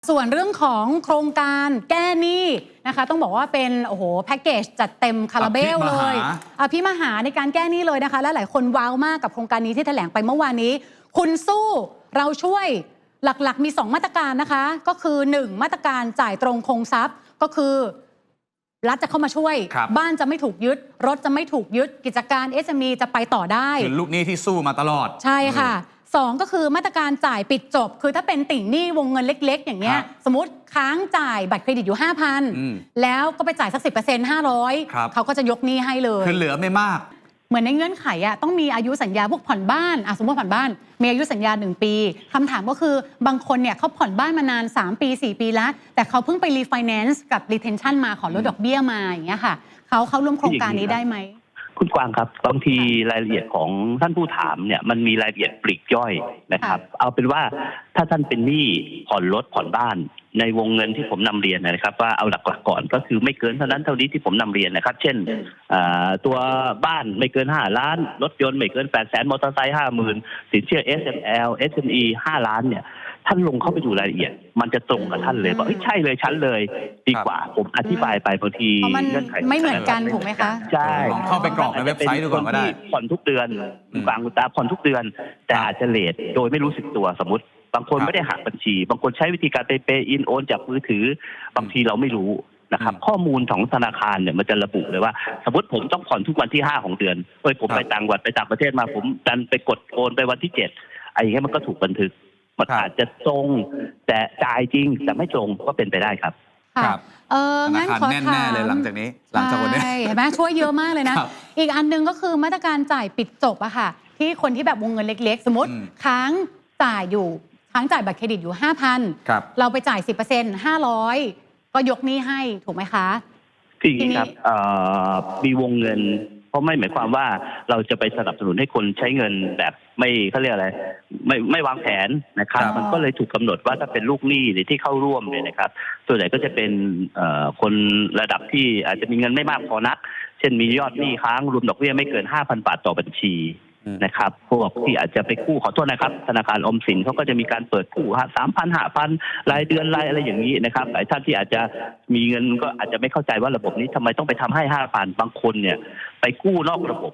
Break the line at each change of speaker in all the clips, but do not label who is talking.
ส่วนเรื่องของโครงการแก้หนี้นะคะต้องบอกว่าเป็นโอ้โหแพ็กเกจจัดเต็มคาราเบลเลยพี่มหาในการแก้หนี้เลยนะคะและหลายคนว้าวมากกับโครงการนี้ที่แถลงไปเมื่อวานนี้คุณสู้เราช่วยหลักๆมี2มาตรการนะคะก็คือ1มาตรการจ่ายตรงคงทรัพย์ก็คือรัฐจะเข้ามาช่วยบ้านจะไม่ถูกยึดรถจะไม่ถูกยึดกิจการ SME จะไปต่อได้
คือลูกหนี้ที่สู้มาตลอด
ใช่ค่ะ2ก็คือมาตรการจ่ายปิดจบคือถ้าเป็นติ่งหนี้วงเงินเล็กๆอย่างเงี้ยสมมติค้างจ่ายบัตรเครดิตอยู่ 5,000 แล้วก็ไปจ่ายสัก 10% 500เขาก็จะยกหนี้ให้เลย
คือเหลือไม่มาก
เหมือนในเงื่อนไขอะต้องมีอายุสัญญาพวกผ่อนบ้านสมมติผ่อนบ้านมีอายุสัญญา1 ปีคำถามก็คือบางคนเนี่ยเขาผ่อนบ้านมานาน3 ปี 4 ปีแล้วแต่เขาเพิ่งไปรีไฟแนนซ์กับ retention มาขอลดดอกเบี้ยมาอย่างเงี้ยค่ะเขาร่วมโครงการนี้ได้ไหม
คุณกวางครับบางทีรายละเอียดของท่านผู้ถามเนี่ยมันมีรายละเอียดปลีกย่อยนะครับเอาเป็นว่าถ้าท่านเป็นหนี้ผ่อนรถผ่อนบ้านในวงเงินที่ผมนำเรียนนะครับว่าเอาหลักๆก่อนก็คือไม่เกินเท่านั้นเท่านี้ที่ผมนำเรียนนะครับเช่นตัวบ้านไม่เกิน5 ล้านรถยนต์ไม่เกิน800,000มอเตอร์ไซค์50,000สินเชื่อ SML SME 5 ล้านเนี่ยท่านลงเข้าไปดูรายละเอียดมันจะตรงกับท่านเลยบอกใช่เลยชั้นเลยดีกว่าผมอธิบายไปบางที
เงื่อนไขไม่เหมือนกันถูกไหมคะ
ใช่
เข้าไปกรอกในเว็บไซต์ดูก่อนก็ได้
ผ่อนทุกเดือนกลางตาผ่อนทุกเดือนแต่อาจจะเลทโดยไม่รู้สึกตัวสมมติบางคนไม่ได้หักบัญชีบางคนใช้วิธีการเปย์อินโอนจากมือถือบางทีเราไม่รู้นะครับข้อมูลของธนาคารเนี่ยมันจะระบุเลยว่าสมมติผมต้องผ่อนทุกวันที่5ของเดือนผมไปต่างประเทศมาผมดันไปกดโอนไปวันที่7อย่างเงี้ยมันก็ถูกบันทึกมันอาจจะตรงแต่จ่ายจริงแต่ไม่ตรงก็เป็นไปได้ครับ
ครับงั้นขอถามแน่เลยหลังจากนี้หลังจากวันนี้
เห็นไหมช่วยเยอะมากเลยนะอีกอันนึงก็คือมาตรการจ่ายปิดจบอะค่ะที่คนที่แบบวงเงินเล็กๆสมมติค้างจ่ายบัตรเครดิตอยู่ 5,000 เราไปจ่าย 10% 500ก็ยกหนี้ให้ถูกไหมคะ
คืออย่างนี้ครับมีวงเงินเพราะไม่หมายความว่าเราจะไปสนับสนุนให้คนใช้เงินแบบไม่เขาเรียกอะไรไม่วางแผนนะครับมันก็เลยถูกกำหนดว่าถ้าเป็นลูกหนี้ที่เข้าร่วมเนี่ยนะครับส่วนใหญ่ก็จะเป็นคนระดับที่อาจจะมีเงินไม่มากพอนักเช่นมียอดหนี้ค้างรวมดอกเบี้ยไม่เกิน 5,000 บาทต่อบัญชีนะครับพวกที่อาจจะไปกู้ขอโทษนะครับธนาคารออมสินเขาก็จะมีการเปิดกู้3,000 5,000รายเดือนรายอะไรอย่างนี้นะครับหลายท่านที่อาจจะมีเงินก็อาจจะไม่เข้าใจว่าระบบนี้ทำไมต้องไปทำให้ 5,000 บางคนเนี่ยไปกู้นอกระบบ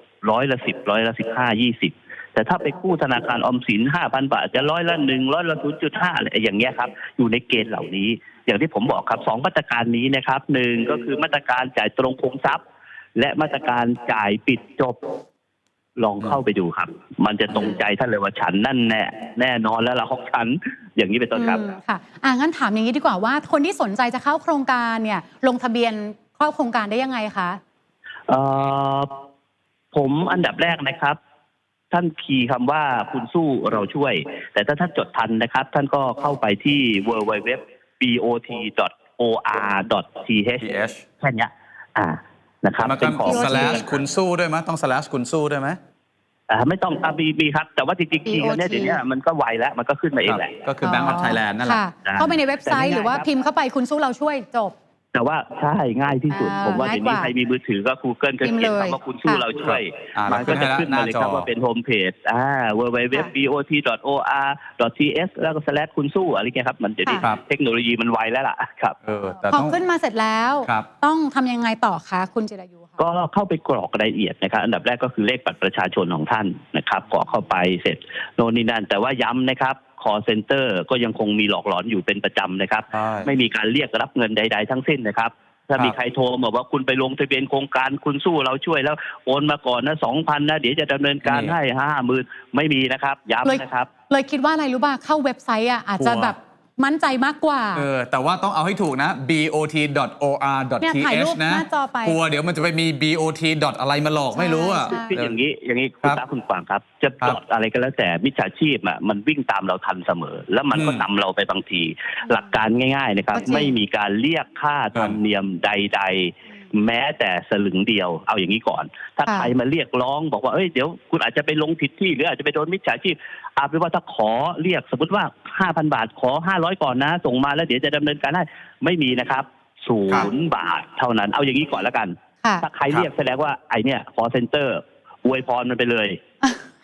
10%10%15%20แต่ถ้าไปกู้ธนาคารออมสิน 5,000 บาทจะ1%0.5อะไรอย่างเงี้ยครับอยู่ในเกณฑ์เหล่านี้อย่างที่ผมบอกครับ2มาตรการนี้นะครับ1ก็คือมาตรการจ่ายตรงคงทรัพย์และมาตรการจ่ายปิดจบลองเข้าไปดูครับมันจะตรงใจท่านเลยว่าฉันนั่นแน่นอนแล้วล่ะของฉันอย่างนี้เป็นต้นครับ
ค่ะงั้นถามอย่างนี้ดีกว่าว่าคนที่สนใจจะเข้าโครงการเนี่ยลงทะเบียนเข้าโครงการได้ยังไงคะ
ผมอันดับแรกนะครับท่านคีย์คำว่าคุณสู้เราช่วยแต่ถ้าท่านจดทันนะครับท่านก็เข้าไปที่ www.bot.or.th แค่นี้นะครับ
เป็นของ/คุณสู้ด้วยไหมต้อง/คุณสู้ด้วยไหม
ไม่ต้องมีครับแต่ว่าจริงๆคีย์กันเนี่ยเดี๋ยวนี้มันก็ไวแล้วมันก็ขึ้นมาเองแหละ
ก็คือ Bank of Thailand นั่นแหละ
เข้าไปในเว็บไซต์หรือว่าพิมพ์เข้าไปคุณสู้เราช่วยจบ
แต่ว่าใช่ง่ายที่สุดผมว่าเดี๋ยวนี้ใครมีมือถือก็ Google ก็เขียนคำว่าคุณสู้เราช่วยมันก็จะขึ้นมาเลยครับว่าเป็นโฮมเพจwww.bot.or.th แล้วก็/คุณสู้อะไรเงี้ยครับมันเดี๋ยวนี้เทคโนโลยีมันไวแล้วล่ะครับ
พอขึ้นมาเสร็จแล้วต้องทำยังไงต่อคะคุณจิรายุ
ก็เข้าไปกรอกรายละเอียดนะครับอันดับแรกก็คือเลขบัตรประชาชนของท่านนะครับกรอกเข้าไปเสร็จโน่นนี่นั่นแต่ว่าย้ำนะครับcall center ก็ยังคงมีหลอกหลอนอยู่เป็นประจำนะครับไม่มีการเรียกรับเงินใดๆทั้งสิ้นนะครับถ้ามีใครโทรมาว่าคุณไปลงทะเบียนโครงการคุณสู้เราช่วยแล้วโอนมาก่อนนะ 2,000 นะเดี๋ยวจะดำเนินการให้ 50,000 ไม่มีนะครับย้ำนะครับ
เลยคิดว่าอะไรรู้ป่ะเข้าเว็บไซต์อาจจะแบบมั่นใจมากกว่า
แต่ว่าต้องเอาให้ถูกนะ bot.or.th นะกลัวเดี๋ยวมันจะไปมี bot. อะไรมาหลอกไม่รู้
คืออย่างนี้คุณตาคุณกวางครับจะจอดอะไรก็แล้วแต่มิจฉาชีพมันวิ่งตามเราทันเสมอแล้วมันก็นำเราไปบางทีหลักการง่ายๆนะครับไม่มีการเรียกค่าธรรมเนียมใดๆแม้แต่สลึงเดียวเอาอย่างนี้ก่อนถ้าใครมาเรียกร้องบอกว่าเดี๋ยวคุณอาจจะไปลงผิดที่หรืออาจจะไปโดนมิจฉาชีพเอาเป็นว่าถ้าขอเรียกสมมติว่า 5,000 บาทขอ500ก่อนนะส่งมาแล้วเดี๋ยวจะดำเนินการให้ไม่มีนะครับ0 บาทเท่านั้นเอาอย่างนี้ก่อนแล้วกันถ้าใครเรียกแสดงว่าไอเนี่ยcall centerอวยพรมันไปเลย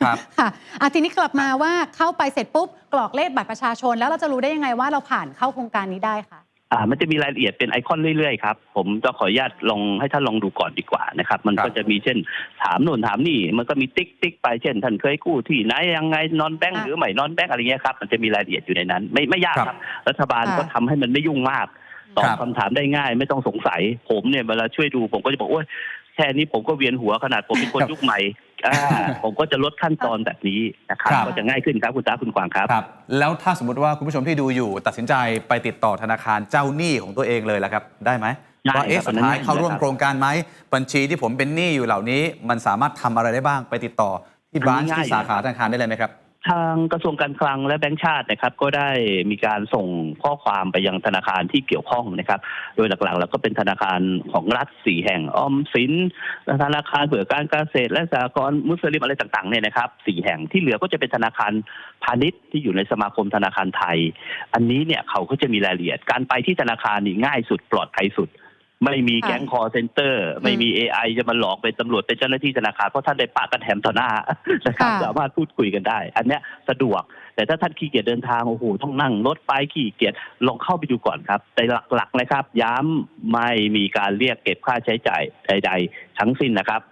ครับ
ค่ะทีนี้กลับมาว่าเข้าไปเสร็จปุ๊บกรอกเลขบัตรประชาชนแล้วเราจะรู้ได้ยังไงว่าเราผ่านเข้าโครงการนี้ได้คะ
มันจะมีรายละเอียดเป็นไอคอนเรื่อยๆครับผมจะขออนุญาตลองให้ท่านลองดูก่อนดีกว่านะครับมันก็จะมีเช่นถามโน่นถามนี่มันก็มีติ๊กไปเช่นท่านเคยกู้ที่ไหนยังไงนอนแบงก์หรือไม่นอนแบงก์อะไรเงี้ยครับมันจะมีรายละเอียดอยู่ในนั้นไม่ยากครับรัฐบาลก็ทำให้มันไม่ยุ่งมากตอบคำถามได้ง่ายไม่ต้องสงสัยผมเนี่ยเวลาช่วยดูผมก็จะบอกโอ้ยแค่นี้ผมก็เวียนหัวขนาดผมเป็นคนยุคใหม่ผมก็จะลดขั้นตอนแบบนี้นะครับก็จะง่ายขึ้นครับคุณตาคุณกวางครับ
แล้วถ้าสมมติว่าคุณผู้ชมที่ดูอยู่ตัดสินใจไปติดต่อธนาคารเจ้าหนี้ของตัวเองเลยล่ะครับได้ไหมว่าสุดท้ายเข้าร่วมโครงการไหมบัญชีที่ผมเป็นหนี้อยู่เหล่านี้มันสามารถทำอะไรได้บ้างไปติดต่อที่บรานช์ที่สาขาธนาคารได้เลยไหมครับ
ทางกระทรวงการคลังและแบงก์ชาตินะครับก็ได้มีการส่งข้อความไปยังธนาคารที่เกี่ยวข้องนะครับโดยหลักๆแล้วก็เป็นธนาคารของรัฐ4แห่งออมสินธนาคารเผื่อการเกษตรและสหกรณ์มุสลิมอะไรต่างๆเนี่ยนะครับ4แห่งที่เหลือก็จะเป็นธนาคารพาณิชย์ที่อยู่ในสมาคมธนาคารไทยอันนี้เนี่ยเขาก็จะมีรายละเอียดการไปที่ธนาคารนี่ง่ายสุดปลอดภัยสุดไม่มีแก๊งคอร์เซ็นเตอร์ไม่มี AI จะมาหลอกเป็นตำรวจเป็นเจ้าหน้าที่ธนาคารเพราะท่านได้ปะกันแถมต่อหน้านะครับสามารถพูดคุยกันได้อันเนี้ยสะดวกแต่ถ้าท่านขี้เกียจเดินทางโอ้โหต้องนั่งรถไปขี้เกียจลองเข้าไปดูก่อนครับแต่หลักๆนะครับย้ำไม่มีการเรียกเก็บค่าใช้จ่ายใดๆทั้งสิ้นนะครับ